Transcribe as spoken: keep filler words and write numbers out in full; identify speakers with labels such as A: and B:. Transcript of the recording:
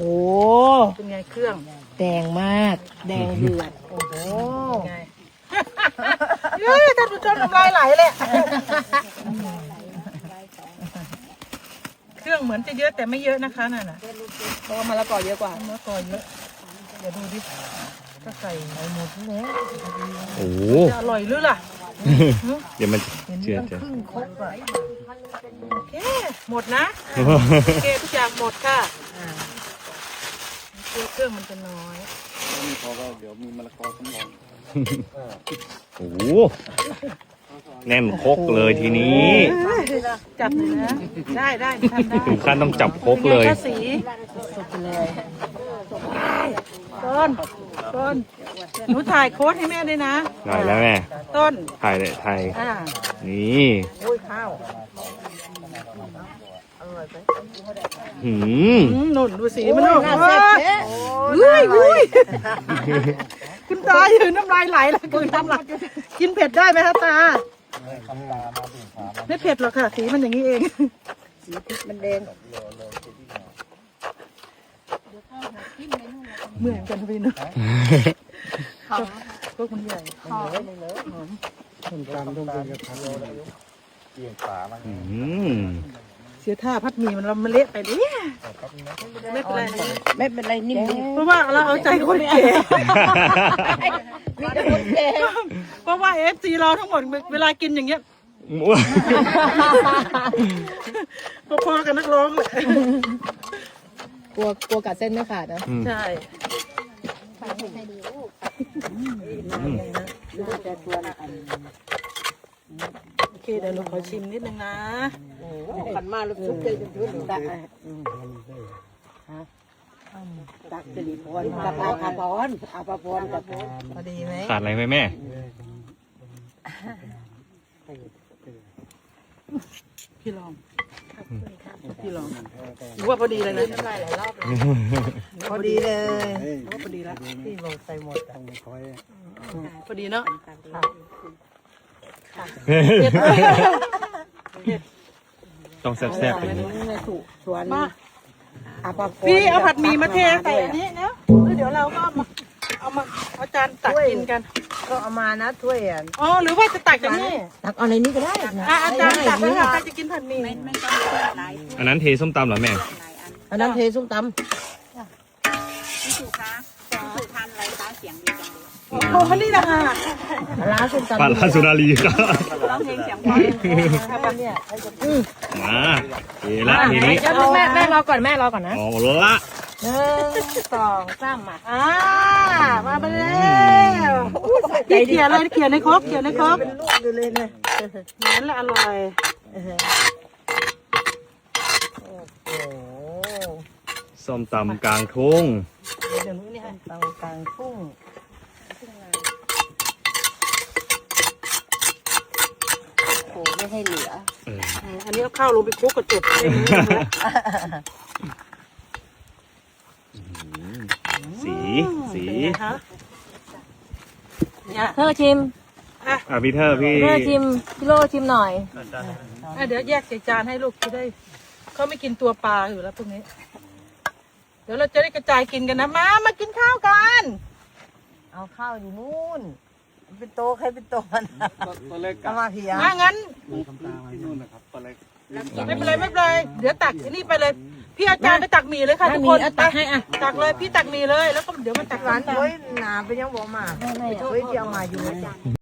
A: เป็นไงเครื่อง
B: แดงมากแดงเดือดโอ้โห
A: ไงเฮ้ยท่านผู้ชมน้ำลายไหลเลยเครื่องเหมือนจะเยอะแต่ไม่เยอะนะคะนั่นน่ะ
B: เพราะว่ามะละกอเยอะกว่าม
A: ะละกอเยอะเดี๋ยวดูดิก็ใส่หมดแล้ว
C: โอ้โห
A: จะอร่อยหรือล่ะ
C: เดี๋ยวมันเชื่อเชื่อ
A: ครึ่งครกอะโอเคหมดนะโอเคทุกอย่างหมดค่ะเครื่องมันจะน้อย
D: มีพอก็เดี๋ยวมีมะละกอสำรอง
C: โอ้โหแน่นครกเลยทีนี้
A: จับเลยนะได้ได้ทำได้
C: ถึงขั้นต้องจับครกเลย
A: ป็นไงคะสีสดเลยต้นต้นหนูถ่ายโค้ดให้แม่ด้วยนะ
C: ได้แล้วแม่
A: ต้น
C: ไทยเลยไทย
A: อ่า
C: นี่
A: โอ้ยข้าวอร่อยไหม
C: หืม
A: อืมนุ่นดูสีมันนุ่นเฮ้ยเฮ้ยคุณตายืนน้ำลายไหลแล้วคุณน้ำลายกินเผ็ดได้ไหมคะตาไม่เผ็ดหรอกค่ะสีมันอย่างนี้เองสีพริกมันแดงเหมือนกันพี่นะพวกมันใหญ่หอมหอม
D: ต้มตำต้มเป็นกระทะเกี่ยงป่ามา
C: อืม
A: เสียท่าพัดหมี่มันเราเละไปดิไม่เป็นไร
B: ไม่เป็นไรนิ่ม
A: เพราะว่าเราเอาใจคนแก่
B: มีแต่คนแก่
A: เพราะว่าเอฟซีเราทั้งหมดเวลากินอย่างเงี้ยพอๆกับนักร้องเลย
B: กลัวกลัวกัดเส้นไม่ขาดนะ
C: อืม
A: ใช่
C: อืม
A: โอเคเดี๋ยวหนูขอชิมนิดนึงนะ
B: ขันมาลูกซุปเจอจนชุดตักตักสิริพรกับอาภาพรอาภาพรกับ
A: พอดีไหม
C: ขาดอะไรไหมแม่
A: พี่ลองพี่ลองหรือว่าพอดีเลยนะพอดีเลยว่าพอดีแล้วพี่ลองใส่หมด
D: ต้องคอย
A: พอดีเนาะ
C: ต้องแซ่บๆอย่างนี้
B: สวน
A: มา
B: อาภาพร
A: พี่เอาผัดหมี่มาเทใส่อันนี้นะแล้วเดี๋ยวเราก็เอามาเอามาเอาจานตักกินกัน
B: ก็เอามานะถ้วยอ่ะ
A: อ๋อหรือว่าจะตักจากนี่
B: ตักเอาในนี้ก็ได้นะ
A: อ่ะอาจารย์ตักเลยค่ะใครจะกินผัดหมี่
C: อันนั้นเทส้มตำเหรอแม่
B: อันนั้นเทส้มต
A: โอ้โหนี่นะคะ
B: ำปลาร้าส้มตำ
C: ปลาลาสุนารีครับ
A: ร้องเพลงเสียงเพราะ
B: เนี่ย
C: มาเทละทีนี้
B: แม่แม่รอก่อนแม่รอก่อนนะ
C: เอาละ
B: หนึ่งสองสามมา
A: อ่ามาไปแล้วพี่เขียนเลยเขียนในครกเขียนในครก
B: เป็นลูกอยู่เลยเนี่ย
A: นั่นแหละอร่อย
C: ส้มตำกลางทุ่ง
A: เดี๋ยวนู้นนี่ฮะ
B: ตังกลางทุ่งโอ้ไม่ให้เหลือ
C: เออ
A: อันนี้เอาข้าวลงไปคลุกกระจุก
C: สีสี
A: เนี่ย
B: เธอชิม
A: อ่ะ
C: อ่ะพี่เธอพี่
B: เธอชิมพี่โลชิมหน่อย
A: อ่ะเดี๋ยวแยกใส่จานให้ลูกจะได้เขาไม่กินตัวปลาอยู่แล้วพวกนี้ เดี๋ยวเราจะได้กระจายกินกันนะมามากินข้าวกัน
B: เอาข้าวอยู่นู่นเป็นโตใครเป็นโตมัน
D: ตัวเล็ก
B: เอามาพี่ยา
A: อ่ะงั้น
D: ทำตาที่นู่นนะครับตัวเล็ก
A: ไม่เป็นไรไม่เป็นไรเดี๋ยวตักนี่ไปเลย พี่อาจารย์ไปตักหมี่เลยค่ะทุกคน
B: ตักให้อ่ะ
A: ตักเลยพี่ตักหมี่เลยแล้วก็เดี๋ยวมาตัก
B: ร้า
A: ร้าน น
B: ถ้วยหนาไปยังบอกมาถ้วยที่เอามาอยู่